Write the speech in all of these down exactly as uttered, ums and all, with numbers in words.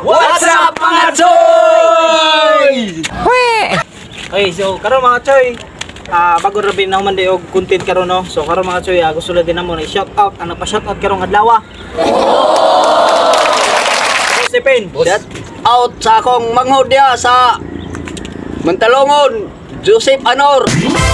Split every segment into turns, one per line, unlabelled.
What's up mga choy?
Okay, so karon mga choy, ah bago ra bin na human di og content karon no. So karon mga choy, ah, gusto lang din namo na shout out ang nagpa-shout out karong adlaw. Stephen,
Shout out sa akong manghudya sa Mantalongon, Joseph Anor.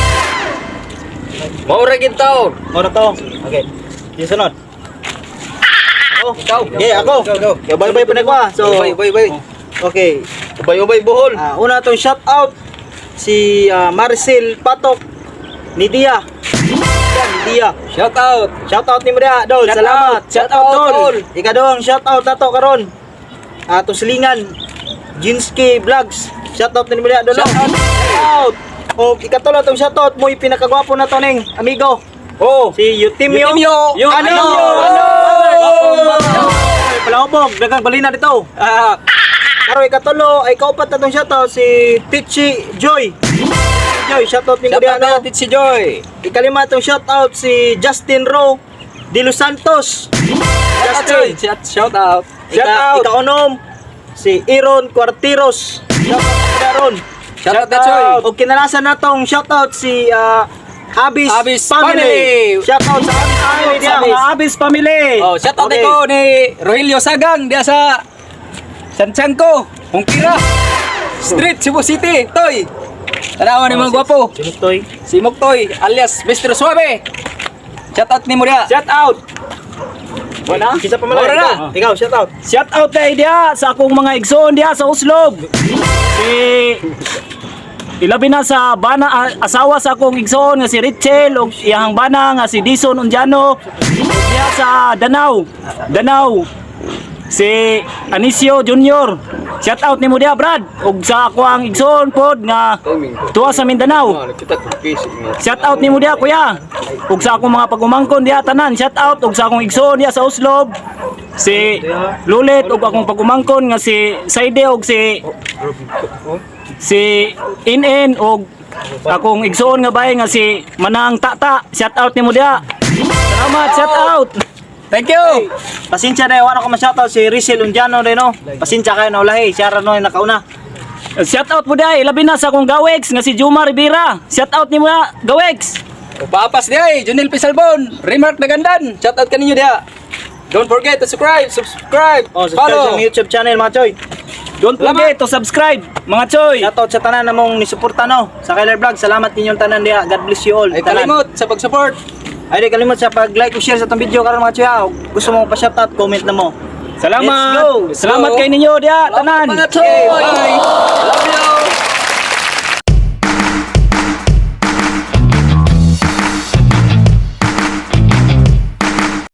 Maura gid taon.
ora to. Okay. Yung sunod. Oh,
Ikaw.
okay, ako. Yo bye bye pa na ko. ah. So,
Bay bay bay.
okay.
Ubay-ubay buhol.
Ah, una tong shout out si ah, Marcel Patok ni Dia. Yan, ni Dia.
Shout out.
Shout out ni mo dia, Dol.
Shout
Salamat.
out. Shout out, Dol.
Ikadong shout out nato karon. Ato silingan Jinski Vlogs. Shout out ni mo dia, Dol.
Shout out.
Shout out. O ikatulo tong shout out mo pinakagwapo na to ning amigo.
Oh.
Si Yutimyo.
Yutimyo.
Yung ano?
Ano?
Ay, palahobog, dagang balina dito. Ah, karo ikatulo ay kaupat na tong shout out si Tichi Joy. Joy, shout out ni mo
Shout
dia,
out
no?
natin si Joy.
Ikalima itong shoutout si Justin Rowe de Los Santos.
Shout out Joy. Shout shout out.
Ika,
Shout out.
Ika-unom si Aaron Cuartiros. Shoutout na ron.
Shout out na, Joy.
O kinalasan na itong shoutout si uh, Abis,
Abis
Family.
Family.
Shoutout sa Abis Family
Abis.
diya, mga Abis Family.
Oh, shout out
Okay.
ko ni Rogelio Sagang dia sa Santiago, Hongkira. Street Cebu City, Toy. Tanawan ni mga gwapo.
Sinutoy.
Si Moktoy alias mister Suave. Shout out ni mo dia.
Shout out. Wala? Kisa pa malay.
Wala na.
Ikaw, ikaw, shout out.
Shout out kay dia sa akong mga igsoon dia sa Uslob. Si ilabi na sa bana a- asawa sa akong igsoon nga si Richel ug iyang bana nga si Dison Unjano. Ug diha sa Danau. Danau. Si Anisio Junior. Shout out nimo dia Brad ug sa ako ang igsoon pod nga tuwa sa Mindanao. Shout out nimo dia kuya. Ug sa akong mga pagumangkon dia tanan, shout out ug sa akong igsoon dia sa Uslob. Si Lulit ug akong pagumangkon nga si Saide ug si si Inen ug akong igsoon nga bay nga si Manang Tata. Shout out nimo dia. Salamat, shout out.
Thank you.
Pasensya na, wala ko ma-shoutout si Rizal Unjano rin, no? Pasensya kayo na ulahi, siya rin no, yung nakauna.
Shout out mo dia, ilabi na sa akong gawex nga si Juma Rivera. Shout out nimo na gawex.
O papas dia eh, Junil Pisalbon, Remark Nagandan. Shout out kaninyo dia. Don't forget to subscribe, subscribe,
Oh, subscribe
follow.
sa aming YouTube channel, mga choy.
Don't forget to subscribe, mga choy.
Shoutout sa tanan na mong nisuporta, no? Sa Kyler Vlog, salamat ninyong tanan dia. God bless you all.
Ay
Tanan.
kalimot sa pag-support.
Ay, di kalimot sa pag-like o share sa itong video karon mga choy, ha? Gusto mo pa-shoutout, comment na mo.
Salamat.
Let's go.
Salamat kay ninyo dia, tanan.
Mga choy. Bye.